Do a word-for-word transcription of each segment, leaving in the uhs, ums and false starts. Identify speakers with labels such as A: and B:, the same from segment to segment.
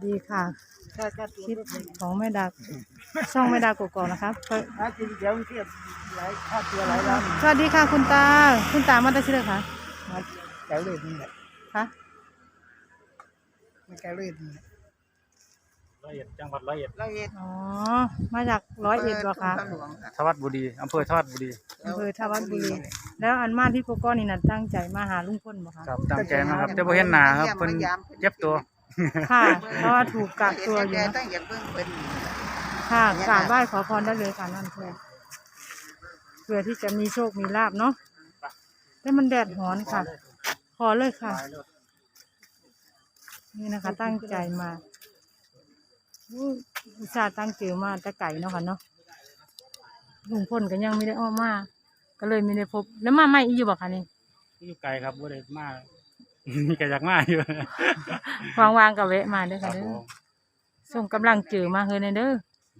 A: ดีค่ะคลิปของแม่ดาช่องแม่ดากกอกนะครับ
B: หากินเดี๋ยวเทียบหลายค่าตัวหลายล้าน
A: สวัสดีค่ะคุณตาคุณตามาได้ชื่อค่ะ
B: มาแก้วเลือดนี่แหละ
A: ค่ะ
B: มาแก้วเลือดนี่แหละ
C: ร้อยเอ็ดจังหวัดร้อยเอ็ด
B: ร้อยเอ็ด
A: อ๋อมาจากร้อยเอ็ดเหรอคะ
C: ทวัดบุรีอำเภอทวัดบุรี
A: อำเภอทวัดบุรีแล้วอันมาที่โกโก้นี่น่ะตั้งใจมาหาลุงพลบ่คะ
C: ครับตั้งใจนะครับแต่บ่เห็นหน้าครับเพิ่นเจ็บตัว
A: ค่ะเพราะว่าถูกกักตัวอยู่นะค่ะกราบไหว้ขอพรได้เลยค่ะนั่นเพื่อเพื่อที่จะมีโชคมีลาภเนาะแต่มันแดดร้อนค่ะขอเลยค่ะนี่นะคะตั้งใจมาอุตส่าห์ตั้งเจอมาแต่ไก่เนาะค่ะเนาะลุงพลก็ยังไม่ได้ออกมาก็เลยไม่ได้พบแล้วมาไม่อีกอยู่บ่คะนี่
C: อยู่ไกลครับบ่ได้มามีก็อยากมาอยู่
A: วางๆกับแวะมาเด้อค่ะเด้อส่งกำลังเจอมาเฮ้ยเด้อ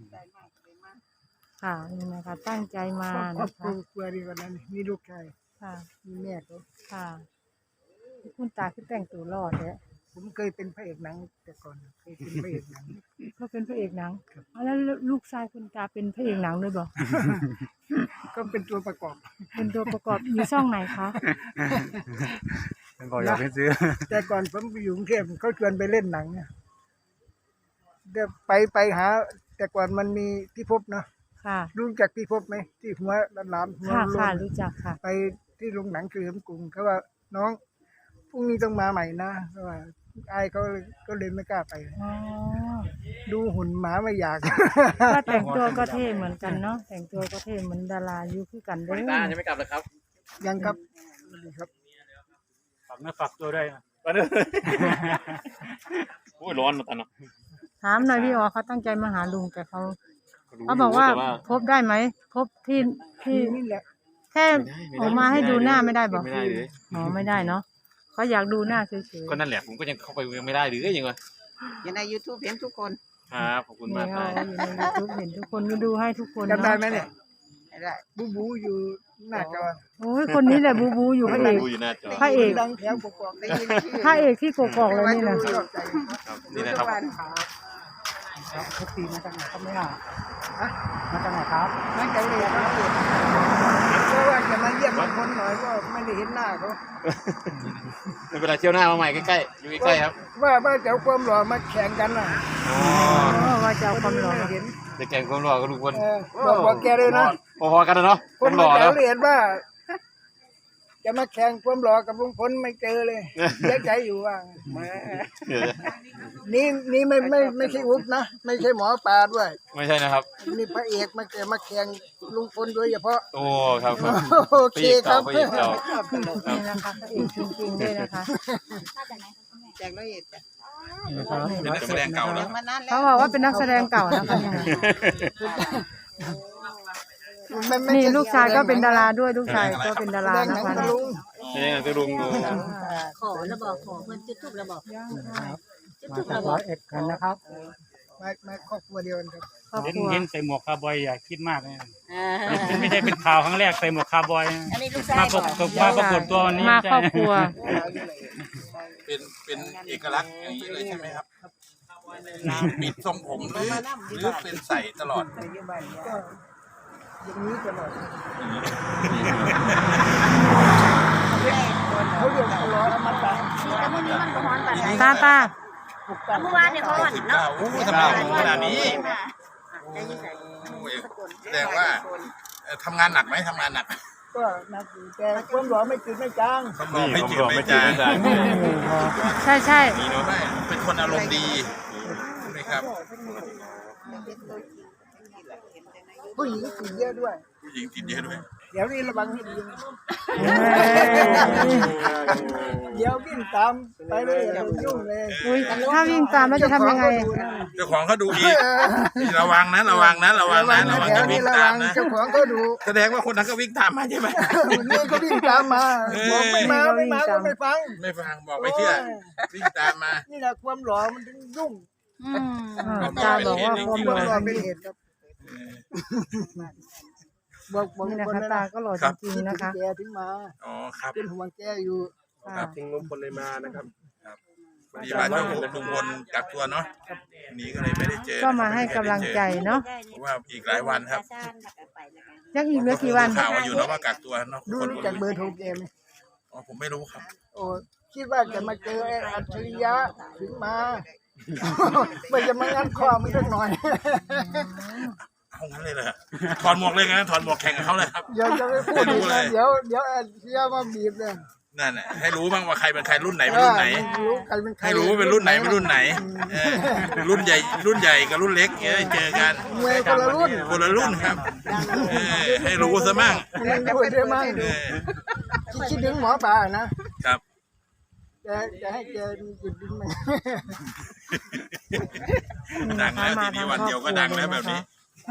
A: ค่ะนี่นะคะตั้งใจมานะคะ
B: ครัวดีกว่านั้นมีลูกชาย
A: ค่ะ
B: มีแม่เขา
A: ค่ะคุณตาคือแต่งตัวรอดเลย
B: ผมเคยเป็นพระเอกหนังแต่ก่อนเคยเป็นพระเอกหนัง
A: เขาเป็นพระเอกหนังแล้วลูกชายคุณตาเป็นพระเอกหนังด้วยบ่
B: ก็เป็นตัวประกอบ
A: เป็นตัวประกอบอยู่ช่องไหนคะ
C: เป็นบอกอยากไปซื้อ
B: แต่ก่อนผมไปอยู่กรุงเทพเขาชวนไปเล่นหนังเนี่ยเดี๋ยวไปไปหาแต่ก่อนมันมีที่พบเนาะ
A: ค่ะ
B: รู้จักที่พบไหมที่หัวล้านๆหัวโล้น
A: รู้จักค่ะ
B: ไปที่โรงหนังคือมกรุงเขาว่าน้องพรุ่งนี้ต้องมาใหม่นะเพราะว่าไอ้เขาก็เลยไม่กล้าไปดูหุ่นหมาไม่อยาก
A: ก็แต่งตัวก็เท่เหมือนกันเนาะแต่งตัวก็เท่เหมือนดารายุคกันเด้อ
C: ตาจะไม่กลับเลยครับ
B: ยังครับครับ
C: ฝากเนื้อฝากตัวด้วยนะโอ้ยร้อนนะตาเนาะ
A: ถามหน่อยพี่อ๋อเขาตั้งใจมาหาลุงแต่เขาเขาบอกว่าพบได้ไหมพบที่ที่
B: นี่แหละ
A: แค่ออกมาให้ดูหน้าไม่ได้บอกอ๋อไม่ได้เนาะเขาอยากดูหน้าเฉย
C: ๆก็นั่นแหละผมก็ยังเข้าไปยังไม่ได้หรือยังไง
D: อยู่ใน ยูทูบ เห็นทุกคน
C: ครับขอบคุณมากครับ
A: อยู่ใน ยูทูบ เห็นทุกคนก็ดูให้ทุกคน
B: จำได้ไหมเนี่ย
D: ได้
B: บูบูอยู่หน้าจอ
A: โอ้ยคนนี้แหละบูบูอยู่พระเอกพระเอก
B: ดังแถวกกอกได้ยินชื่อ
A: พระเอกที่กกอกเลยนี่นะ
C: นี่นะครับ
B: เขาปีมาจากไหนเขาไม่อ่ะมาจากไหนครับมาจากเลยครับเพราะว่าจะมาเยี่ยมคนหน่อยก็ไม่ได้เห็นหน้าเขา
C: ไม่เป็นไรเที่ยวหน้ามาใหม่ใกล้ๆอยู่ใกล้ๆครับ
B: ว่าว่าจะเอาความหล่อมาแข่งกันน่ะ
C: อ๋
A: อว่าจะเอาความหล่อ
B: เห็น
C: จะแข่งความหล่อกับทุกคน
B: บอกบอกแกเลยนะ
C: พอๆกันนะเนาะ
B: คนหล่อแล้วเห็นว่าจะมาแข่งความหล่อกับลุงพลไม่เจอเลยเสียใจอยู่ว่านี่นี่ไม่ไม่ไม่ใช่อุ๊บนะไม่ใช่หมอปลาด้วย
C: ไม่ใช่นะครับ
B: นี่พระเอกมาแกมาแข่งลุงพลโดยเฉพาะ
C: โอ้ครับ
B: โอเคครับ
A: นี่นะคะพระเอกจริงๆเลยนะคะ
D: แจกร้อยเอ็ดจ้ะ
C: เป็นนักแสดงเก่าแล้ว
A: เขาบอกว่าเป็นนักแสดงเก่านะคะนี่ลูกชายก็เป็นดาราด้วยลูกชายก็เป็นดารานะคะ
C: นี่จะลุงดู
D: ขอระบอกขอเพื่อนจุดทุบระบอก
B: จุดทุบระบอกเอ็ดกันนะครับมามาครอบครัวเดียวกันครับ
C: เห็นเห็นใส่หมวกคาร์บอยอย่าคิดมากเลยไม่ใช่เป็นข่าวครั้งแรกใส่หมวกคาร์บอยมาประกบมาประกบตัวนี้
A: มาครอบครัว
E: เป็นเป็นเอกลักษณ์อย่างนี้เลยใช่ไหมครับปิดทรงผมหรือหรือเป็นใส่ตลอด
B: อย่างนี้ตลอดเขาเรียกร้อนมาตา
A: ตาตา
D: เมื่อวานเนี่ยเขาอ่อนเนาะ
E: โอ้ทำไมขนาดนี้แสดงว่าทำงานหนักไหมทำงานหนัก
B: ก็หนักอยู่แต่ความร้อนไม่จืดไม่จาง
E: ความร้อนไม่จืดไม่จาง
A: ใช่ใช่
E: เป็นคนอารมณ์ดีใช่ไหมครับ
B: ผู้หญิงติดเยอะด้วย
E: ผู้หญิงติดเยอะด้วย
B: เดี๋ยวนี้ระวังให้ดีเดี๋ยววิ่งตามไปเลยยุ่งเลย
A: ถ้าวิ่งตามแล้วจะทำยังไง
E: เจ้าของเขาดูอีกระวังนะระวังนะระวังนะระวังจะวิ่งตามนะ
B: เจ้าของเขาดู
E: แสดงว่าคนนั้นก็วิ่งตามมาใช่ไหม
B: นี่ก็วิ่งตามมาบอกไม่มาไม่มาก็ไม่ฟัง
E: ไม่ฟังบอกไม่เชื่อวิ่งตามมา
B: นี่แหละความหล่อมันถึงยุ่ง
A: ตาบอกว่าความหล่อ
B: เป็นเหตุครับบอกบอก
A: นี่นะคะตาก็หล่อจริงๆนะคะ
B: แกถึงมา
E: อ๋อครับ
B: เป็นห่วงแกอยู่
E: ครับถึงลุงพลเลยมานะครับพอดีว่าช่วงลุงพลกักตัวเนาะวันนี้ก็เลยไม่ได้เจอ
A: ก็มาให้กำลังใจเนาะ
E: เพราะว่าอีกหลายวันครับ
A: ยังอีกเหลือกี่วัน
E: ข่าวมาอยู่เนาะว่ากักตัวเนาะ
B: ดู
E: คน
B: รู้จักเบอร์โทรแกไหม
E: อ๋อผมไม่รู้ครับ
B: โอ้คิดว่าจะมาเจอไอ้อัจฉริยะถึงมา ไม่จะมางั้นคอมันสักหน่อย
E: เอางั้นเลยเหรอถอดหมวกเลยงั้นถอดหมวกแข่งกับเขาเลยครับ
B: เดี๋ยวจะไม่พูดอีกนะเดี๋ยวเดี๋ยวอัจฉริยะมาบีบเลย
E: นั่นแหละให้รู้บ้างว่าใครเป็นใครรุ่นไหนเป็นรุ่นไหน
B: รู้ใครเป็นใคร
E: ให้รู้ว่าเป็นรุ่นไหนเป็นรุ่นไหนเออรุ่นใหญ่รุ่นใหญ่กับรุ่นเล็กเนี่ยได้เจอกัน
B: มวยคนละรุ่น
E: คนละรุ่นครับเออให้รู้ซะมั่ง
B: มันพูดได้มั้ง
E: เออ
B: คิดถึงหมอปลานะครับ จะจะให้แกหยุดดิ้นมัน
E: ดังแล้วทีนี้วันเดียวก็ดังแล้วแบบนี้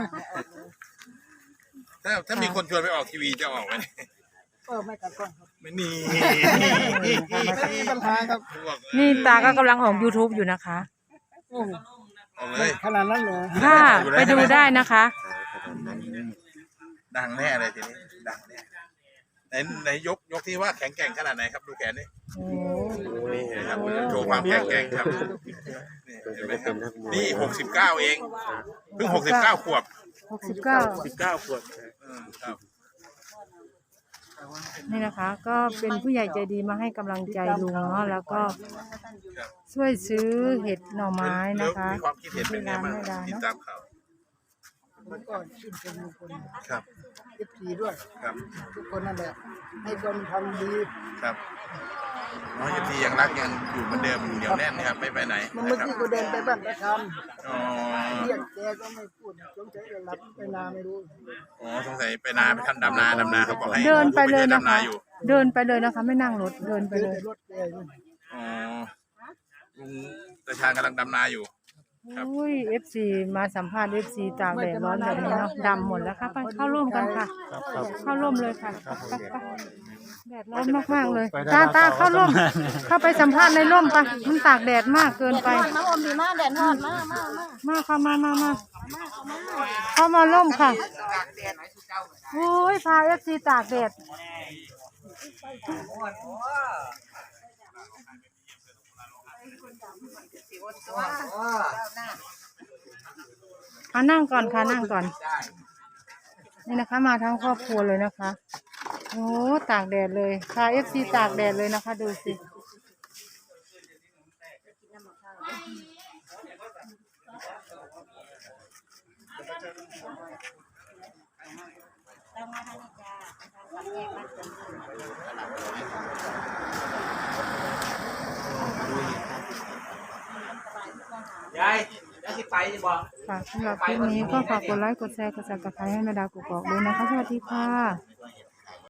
E: ถ้าถ้ามีคนชวนไปออกทีวีจะออกไหม
B: เออไม่กัดก้อนครับ
E: ไม่มี
B: ไม่มีปัญหาครับ
A: นี่ตาก็กำลังออก YouTube อยู่นะคะ
B: โอ้
E: ออกเลย
B: ขนาดนั้นเลย
A: ค่ะไปดูได้นะคะ
E: ดังแน่เลยทีนี้ดังแน่ไหนไหนยกยกที่ว่าแข็งแกร่งขนาดไหนครับดูแขนนี่
A: โอ้
E: นี่นะครับโชว์ความแข็งแกร่งครับนี่เห็นไหมครับนี่หกสิบเก้าเองเพิ่งหกสิบเก้าขวบ
A: หกสิบเก้า
C: สิบเก้าขวด
E: อืมครับ
A: นี่นะคะ ก็เป็นผู้ใหญ่ใจดีมาให้กำลังใจลุงเนาะแล้วก็ช่วยซื้อเห็ดหน่อไม้นะคะ
E: มีความคิดเห็นเป็นไงบ้างติดตามข่าว
B: มันก็ชื่นชมทุกคน
E: ครับ
B: เอฟซีด้วย
E: ครับ
B: ทุกคนนั่นแหละให้คนทำดี
E: ครับน้องยทียังรักยังอยู่เหมือนเดิมเหนียวแน่นนะครับไม่ไปไหน
B: มัน
E: นะ
B: เมื่อ
E: ครับ
B: กี้ก็เดินไปบ้านประค
E: อ๋อ
B: ำเรียกแกก็ไม่พูดสงสัยจะหลับไปนาไม่รู้
E: อ๋อสงสัยไปนาไปทำดำนาดำนาเขาบอกให้
A: เดินไปเลยนะ
E: ดำนา
A: คะ
E: อยู่
A: เดินไปเลยนะคะ ไม่นั่งรถเดินไป
B: เดิน
A: เลย
B: แต่รถแกอยู่
E: อ๋อลุงตาชาญกำลังดำนาอยู่ ครับ
A: อุ้ยเอฟซีมาสัมภาษณ์เอฟซีตากแดดร้อนแบบนี้เนาะดำหมดแล้วค่ะไปเข้าร่วมกันค่ะ เข้าร่วมเลยค่ะไปไปแดดร้อนมากๆเลยตาตาเข้าร่วม เข้าไปสัมภาษณ์ในร่มไปมันตากแดดมากเกินไป
D: มาอมดีมากแดดฮอดมากมากมาก
A: มาค่ะมามามาเข้ามาร่มค่ะโอ้ยพาเอฟซีตากแดดค่ะนั่งก่อนค่ะนั่งก่อน นี่นะคะ มาทั้งครอบครัวเลยนะคะ โอ้ตากแดดเลยพาเอฟซีตากแดดเลยนะคะ ดูสิ
F: ยายยายสิไปจะบอก
A: ค่ะสำหรับคลิปนี้ก็ฝากกดไลค์กดแชร์กดซับสไครต์ให้แม่ดาวกุกกอกด้วยนะคะสวัสดีค่ะ